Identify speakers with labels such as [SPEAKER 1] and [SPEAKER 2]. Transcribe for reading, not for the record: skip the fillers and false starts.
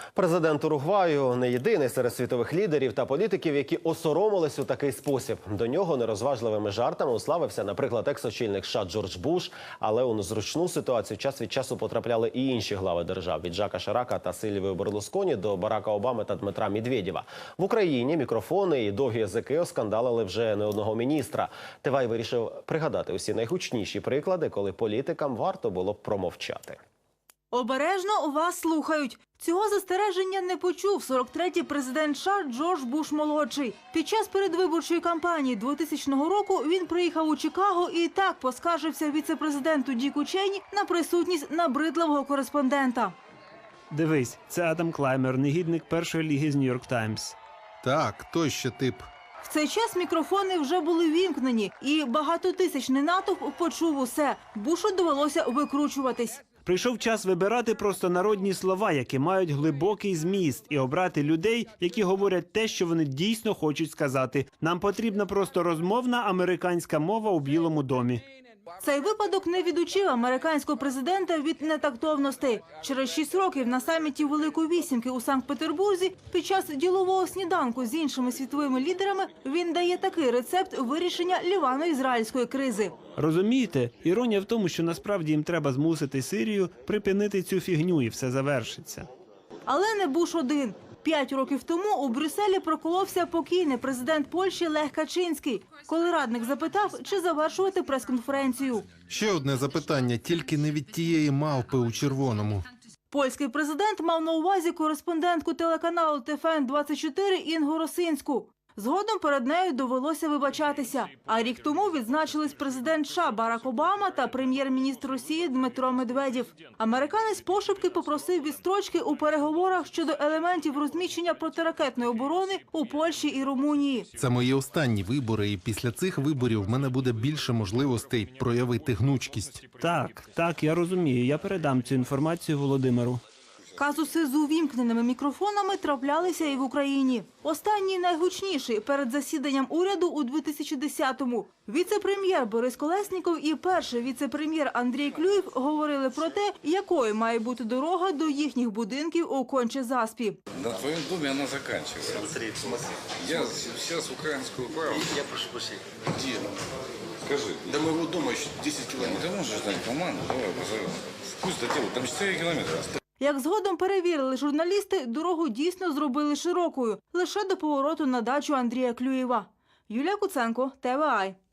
[SPEAKER 1] Президент Уругваю не єдиний серед світових лідерів та політиків, які осоромились у такий спосіб. До нього нерозважливими жартами уславився, наприклад, екс-очільник США Джордж Буш, але у незручну ситуацію час від часу потрапляли і інші глави держав – від Жака Ширака та Сильвіо Берлусконі до Барака Обами та Дмитра Медведєва. В Україні мікрофони і довгі язики оскандалили вже не одного міністра. Тивай вирішив пригадати усі найгучніші приклади, коли політикам варто було б промовчати.
[SPEAKER 2] Обережно вас слухають. Цього застереження не почув 43-й президент США Джордж Буш-молодший. Під час передвиборчої кампанії 2000 року він приїхав у Чикаго і так поскаржився віце-президенту Діку Чейні на присутність набридливого кореспондента.
[SPEAKER 3] Дивись, це Адам Клаймер, негідник першої ліги з Нью-Йорк Таймс.
[SPEAKER 4] Так, той ще тип.
[SPEAKER 2] В цей час мікрофони вже були вімкнені, і багатотисячний натовп почув усе. Бушу довелося викручуватись.
[SPEAKER 3] Прийшов час вибирати простонародні слова, які мають глибокий зміст, і обрати людей, які говорять те, що вони дійсно хочуть сказати. Нам потрібна просто розмовна американська мова у Білому домі.
[SPEAKER 2] Цей випадок не відучив американського президента від нетактовностей. Через 6 років на саміті Великої Вісімки у Санкт-Петербурзі під час ділового сніданку з іншими світовими лідерами він дає такий рецепт вирішення лівано-ізраїльської кризи.
[SPEAKER 3] Розумієте? Іронія в тому, що насправді їм треба змусити Сирію припинити цю фігню і все завершиться.
[SPEAKER 2] Але не Буш один. 5 років тому у Брюсселі проколовся покійний президент Польщі Лех Качинський, коли радник запитав, чи завершувати прес-конференцію.
[SPEAKER 4] Ще одне запитання, тільки не від тієї мавпи у червоному.
[SPEAKER 2] Польський президент мав на увазі кореспондентку телеканалу ТФН-24 Інгу Росинську. Згодом перед нею довелося вибачатися. А рік тому відзначились президент США Барак Обама та прем'єр-міністр Росії Дмитро Медведєв. Американець пошепки попросив відстрочки у переговорах щодо елементів розміщення протиракетної оборони у Польщі і Румунії.
[SPEAKER 4] Це мої останні вибори, і після цих виборів в мене буде більше можливостей проявити гнучкість.
[SPEAKER 3] Так, я розумію. Я передам цю інформацію Володимиру.
[SPEAKER 2] Казуси з увімкненими мікрофонами траплялися і в Україні. Останній найгучніший перед засіданням уряду у 2010-му. Віце-прем'єр Борис Колесніков і перший віце-прем'єр Андрій Клюєв говорили про те, якою має бути дорога до їхніх будинків у Конче-Заспі.
[SPEAKER 5] На твоем доме она заканчивается.
[SPEAKER 6] Смотри, в смысле?
[SPEAKER 5] Я сейчас украинскую правду.
[SPEAKER 6] Я прошу прощения.
[SPEAKER 5] Где? Скажи. До моего дома еще 10 километров. Ты можешь дать команду? Давай, пожалуйста. Пусть доделают. Там 4 километра.
[SPEAKER 2] Як згодом перевірили журналісти, дорогу дійсно зробили широкою, лише до повороту на дачу Андрія Клюєва. Юлія Куценко, ТВА.